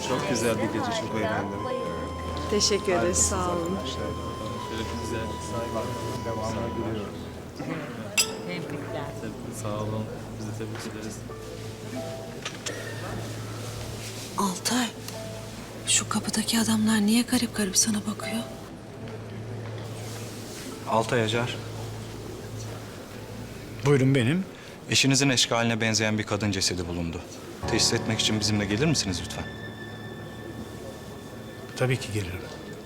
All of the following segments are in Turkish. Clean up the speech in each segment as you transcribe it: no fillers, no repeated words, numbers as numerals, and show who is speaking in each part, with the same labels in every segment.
Speaker 1: Çok güzel bir gece, çok eğlendim.
Speaker 2: Teşekkür ederiz, sağ olun.
Speaker 1: Şöyle bir güzel devamını görüyoruz.
Speaker 3: Tebrikler.
Speaker 1: Sağ olun. Biz de tebrik ederiz.
Speaker 4: Altay, şu kapıdaki adamlar niye garip garip sana bakıyor?
Speaker 5: Altay Acar.
Speaker 6: Buyurun benim.
Speaker 5: Eşinizin eşkaline benzeyen bir kadın cesedi bulundu. Teşhis etmek için bizimle gelir misiniz lütfen?
Speaker 6: Tabii ki gelirim.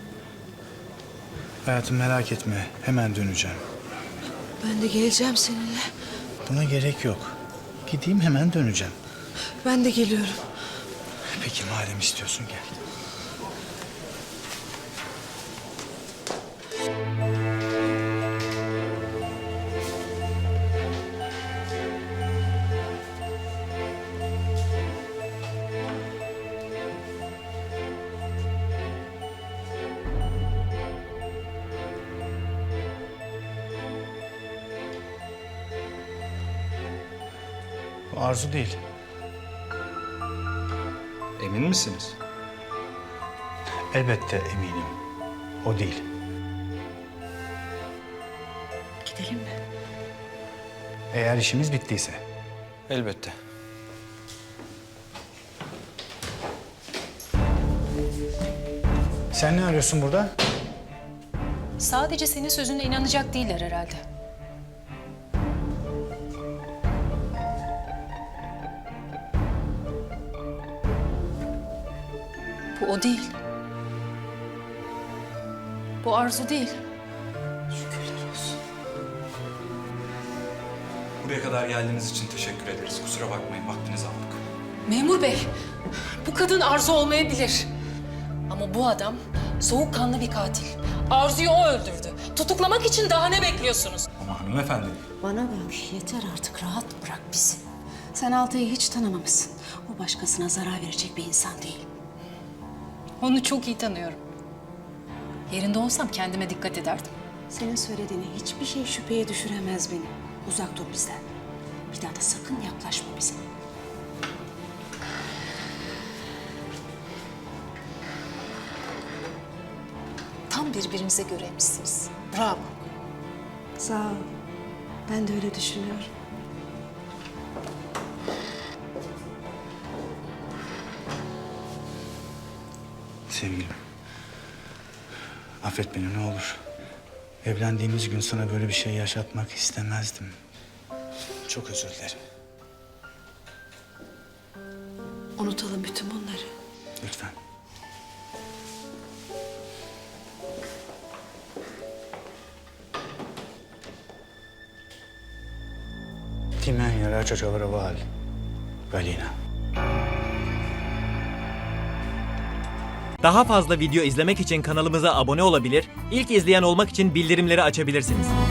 Speaker 6: Hayatım merak etme. Hemen döneceğim.
Speaker 4: Ben de geleceğim seninle.
Speaker 6: Buna gerek yok. Gideyim hemen döneceğim.
Speaker 4: Ben de geliyorum.
Speaker 6: Peki madem istiyorsun gel. Bu Arzu değil.
Speaker 5: Emin misiniz?
Speaker 6: Elbette eminim. O değil.
Speaker 4: Gidelim mi?
Speaker 6: Eğer işimiz bittiyse.
Speaker 5: Elbette.
Speaker 6: Sen ne arıyorsun burada?
Speaker 7: Sadece senin sözüne inanacak değiller herhalde. Bu o değil. Bu Arzu değil.
Speaker 4: Şükürler olsun.
Speaker 5: Buraya kadar geldiğiniz için teşekkür ederiz. Kusura bakmayın, vaktinizi aldık.
Speaker 7: Memur bey, bu kadın Arzu olmayabilir. Ama bu adam soğukkanlı bir katil. Arzu'yu o öldürdü. Tutuklamak için daha ne bekliyorsunuz?
Speaker 5: Ama hanımefendi...
Speaker 4: Bana bak, yeter artık, rahat bırak bizi. Sen Altay'ı hiç tanımamışsın. O başkasına zarar verecek bir insan değil.
Speaker 7: Onu çok iyi tanıyorum. Yerinde olsam kendime dikkat ederdim.
Speaker 4: Senin söylediğine hiçbir şey şüpheye düşüremez beni. Uzak dur bizden. Bir daha da sakın yaklaşma bize.
Speaker 7: Tam birbirinize göreymişsiniz. Bravo.
Speaker 4: Sağ ol. Ben de öyle düşünüyorum.
Speaker 6: Sevgilim. Affet beni ne olur. Evlendiğimiz gün sana böyle bir şey yaşatmak istemezdim. Çok özür dilerim.
Speaker 4: Unutalım bütün bunları.
Speaker 6: Lütfen. Ti men raggia giovare Galina.
Speaker 8: Daha fazla video izlemek için kanalımıza abone olabilir, ilk izleyen olmak için bildirimleri açabilirsiniz.